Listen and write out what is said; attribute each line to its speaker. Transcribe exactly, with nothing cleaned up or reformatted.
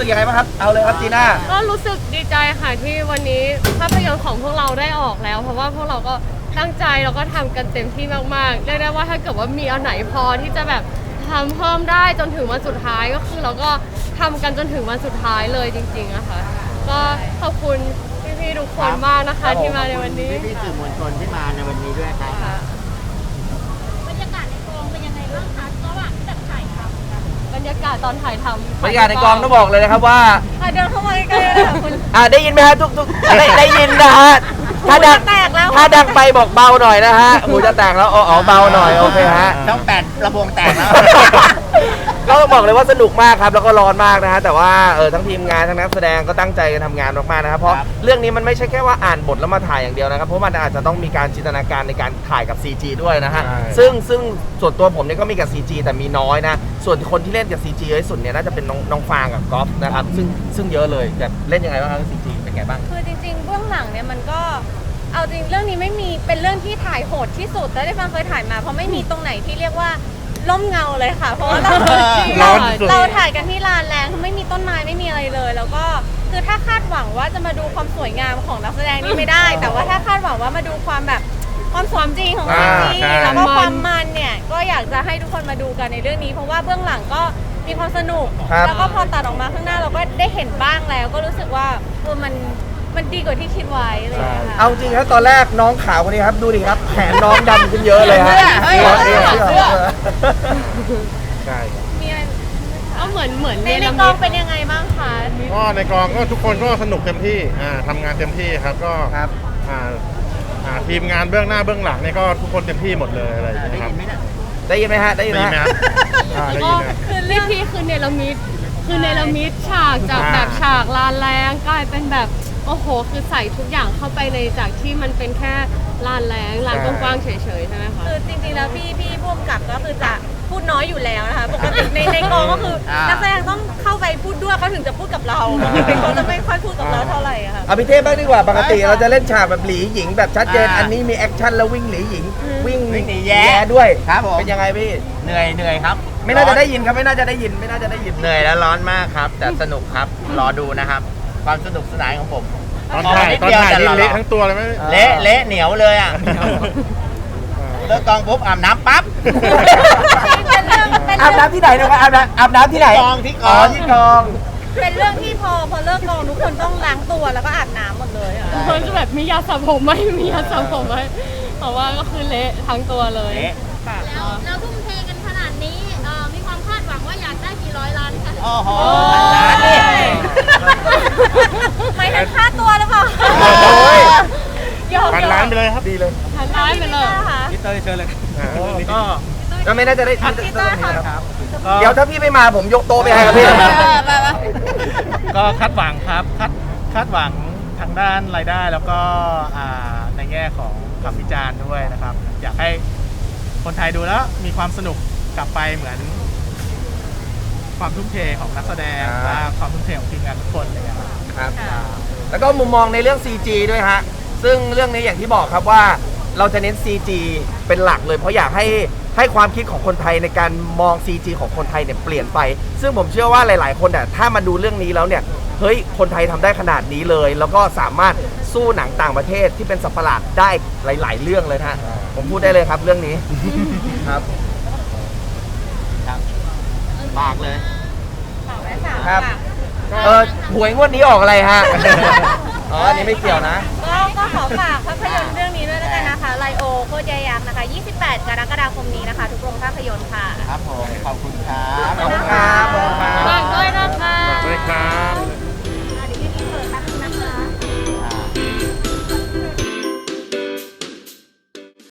Speaker 1: กยังไงบ้างครับเอาเลยครับจีน่า
Speaker 2: ก็รู้สึกดีใจค่ะที่วันนี้ภาพยนตร์ของพวกเราได้ออกแล้วเพราะว่าพวกเราก็ตั้งใจแล้วก็ทำกันเต็มที่มากๆเรียกได้ว่าถ้าเกิดว่ามีอันไหนพอที่จะแบบทำเพิ่มได้จนถึงวันสุดท้ายก็คือเราก็ทำกันจนถึงวันสุดท้ายเลยจริงๆอะค่ะก็ขอบคุณพี่ๆทุกคนมากนะคะที่มาในวันนี้
Speaker 3: พี่ๆสื่อมวลชนที่มาในวันนี้ด้วยครับ
Speaker 4: บรรยากาศในกองเป็นยังไงบ้างคะระหว่างที่แบบถ่ายทำ
Speaker 2: บรรยากาศตอนถ่ายทำ
Speaker 1: บรรยากาศในกองต้องบอกเลยนะครับว่า
Speaker 2: เดินเข้ามาใกล้ๆเลยค่ะคุณ
Speaker 1: อ่าได้ยินไหมฮะทุกทุกได้ได้ยินนะฮะถ้าดังถ้าดังไปบอกเบาหน่อยนะฮะหูจะแตกแล้วอ๋อเบาหน่อยโอเคฮะ
Speaker 3: ต้องแปดระบวงแตกแล้ว
Speaker 1: ก็ต้องบอกเลยว่าสนุกมากครับแล้วก็ร้อนมากนะฮะแต่ว่าเออทั้งทีมงานทั้งนักแสดงก็ตั้งใจกันทำงานมากๆนะครับเพราะเรื่องนี้มันไม่ใช่แค่ว่าอ่านบทแล้วมาถ่ายอย่างเดียวนะครับเพราะมันอาจจะต้องมีการจินตนาการในการถ่ายกับ ซี จี ด้วยนะฮะซึ่งซึ่งส่วนตัวผมเนี่ยก็มีกับ ซี จี แต่มีน้อยนะส่วนคนที่เล่นกับ ซี จี เยอะที่สุดเนี่ยน่าจะเป็นน้องน้องฟางกับก๊อฟนะครับซึ่งซึ่งเยอะเลยแบบเล่นยังไงบ้างครับ ซี จี เป็นไงบ้าง
Speaker 5: คือจริงๆเบื้องหลังเนี่ยมันก็เอาจริงเรื่องนี้ไม่มีเป็นเรื่องที่ถ่ายโหดที่สุดแต่ได้ฟังเคยถ่ายมาเพราะไม่มีตรงไหนที่เรียกว่าร่มเงาเลยค่ะเพราะว่าเราเราเราถ่ายกันที่ลานแรงคือไม่มีต้นไม้ไม่มีอะไรเลย แล้วก็คือถ้าคาดหวังว่าจะมาดูความสวยงามของนักแสดงนี่ไม่ได้ แต่ว่าถ้าคาดหวังว่ามาดูความแบบความสมจริงของซีรีส์แล้วก็ความมันเนี่ยก็อยากจะให้ทุกคนมาดูกันในเรื่องนี้เพราะว่าเบื้องหลังก็มีความสนุกแล้วก็พอตัดออกมาข้างหน้าเราก็ได้เห็นบ้างแล้วก็รู้สึกว่าเออมันมันดีกว่าที่คิดไว้เลยค่ะ
Speaker 1: เอาจริงครับตอนแรกน้องขาวคนนี้ครับดูดิครับแขนน้องดำขึ้นเยอะเลยฮะ
Speaker 5: เสื้อเสื้อเสื้อ
Speaker 1: ใช่
Speaker 5: มีอะไร
Speaker 2: ก็เหมือนเหมือน
Speaker 5: ในในกองเป็นยังไงบ้างคะ
Speaker 6: ก็ในกองก็ทุกคนก็สนุกเต็มที่อ่าทำงานเต็มที่ครับก็
Speaker 1: ครับ
Speaker 6: อ่าอ่าทีมงานเบื้องหน้าเบื้องหลังนี่ก็ทุกคนเต็มที่หมดเลยอะไรอย่างเงี้ยครับ
Speaker 1: ได้ยินไหมฮะได้ยินไหมฮะ
Speaker 6: ได้
Speaker 2: ยินไหมคือเรื่องที่คือเนลมิดคือเนลมิดฉากจากแบบฉากลานแรงกลายเป็นแบบโอ้โหคือใส่ทุกอย่างเข้าไปในจากที่มันเป็นแค่ลานแรงลานกว้างๆเฉยๆใช่ไหมคะ
Speaker 5: คือจริงๆแล้วพี่พี่ผู้กำกับก็คือจะพูดน้อยอยู่แล้วนะคะปกติในในกองก็คือนักแสดงต้องเข้าไปพูดด้วยเขาถึงจะพูดกับเราปกติเขาจะไม่ค่อยพูดกับเราเท่าไหร่ค่ะ
Speaker 1: เอาพี่เทพบ้างดีกว่าปกติเราจะเล่นฉากแบบหลีหญิงแบบชัดเจนอันนี้มีแอคชั่นแล้ววิ่งหลีหญิงวิ่ง
Speaker 3: หนีแย่
Speaker 1: ด้วย
Speaker 3: ครับผม
Speaker 1: เป็นยังไงพี่
Speaker 3: เหนื่อยเหนื่อยครับ
Speaker 1: ไม่น่าจะได้ยินครับไม่น่าจะได้ยินไม่น่าจะได้ยิน
Speaker 3: เหนื่อยและร้อนมากครับแต่สนุกครับรอดูนะครับความสนุกสนานของผม
Speaker 6: ตอนถ่ายตอนถ่ายเละทั้งตัวเลยไหม
Speaker 3: เละเละเหนียวเลยอ่ะเลิกกองปุ๊บอาบน้ำปั๊บ
Speaker 1: อาบน้ำที่ไหนนะครับอาบน้ำอาบน้ำที่ไหน
Speaker 3: กองที่กอง
Speaker 1: ที่กอง
Speaker 5: เป็นเรื่องที่พอพอเลิกกองทุกคนต้องล้างตัวแล้วก็อาบน้ำหมดเลยค่ะ
Speaker 2: ทุกคนจะแบบมียาสระผมไหมมียาสระผมไหมเพราะว่าก็คือเละทั้งตัวเลย
Speaker 4: แล้วแล้วทุ่มเทกันขนาดนี้มีความคาดหวังว่าอยากได้กี่ร้อยล้านคะ
Speaker 3: โอ้โหล้านนี่
Speaker 5: ไม่ถึงค่าตัวหรือเปล่า
Speaker 6: พันล้านไปเลยครับ
Speaker 1: ดีเลย
Speaker 2: พันล้านไปเลย
Speaker 1: พี่เต้ยเชิญเลยก็ก็ไม่น่าจะได้พี่เต้ยครับเดี๋ยวถ้าพี่ไม่มาผมยกโต๊ะไปให้ครับพี่
Speaker 7: ก็คาดหวังครับคาดคาดหวังทางด้านรายได้แล้วก็ในแง่ของคำวิจารณ์ด้วยนะครับอยากให้คนไทยดูแล้วมีความสนุกกลับไปเหมือนความทุ่มเทของนักแสดงและความทุ่มเทของทีมงานทุกคนเลย
Speaker 1: ครับแล้วก็มุมมองในเรื่อง ซี จี ด้วยฮะซึ่งเรื่องนี้อย่างที่บอกครับว่าเราจะเน้น ซี จี เป็นหลักเลยเพราะอยากให้ให้ความคิดของคนไทยในการมอง ซี จี ของคนไทยเนี่ยเปลี่ยนไปซึ่งผมเชื่อว่าหลายๆคนเนี่ยถ้ามาดูเรื่องนี้แล้วเนี่ยเฮ้ยคนไทยทำได้ขนาดนี้เลยแล้วก็สามารถสู้หนังต่างประเทศที่เป็นสัตว์ประหลาดได้หลายๆเรื่องเลยฮะผมพูดได้เลยครับเรื่องนี้ครับ
Speaker 3: ฝากเลย
Speaker 1: ครับเออหวยงวดนี้ออกอะไรฮะอ๋ออันนี้ไม่เกี่ยวนะ
Speaker 5: ก็ก็ขอฝากภาพยนตร์เรื่องนี้ด้วยแล้วกันนะคะไลโอโคตรยยักษ์นะคะยี่สิบแปดกรกฎาคมนี้นะคะทุกโรงภาพยนตร์ค่ะ
Speaker 3: ครับผมขอบคุณครับ
Speaker 1: ขอบคุณครับ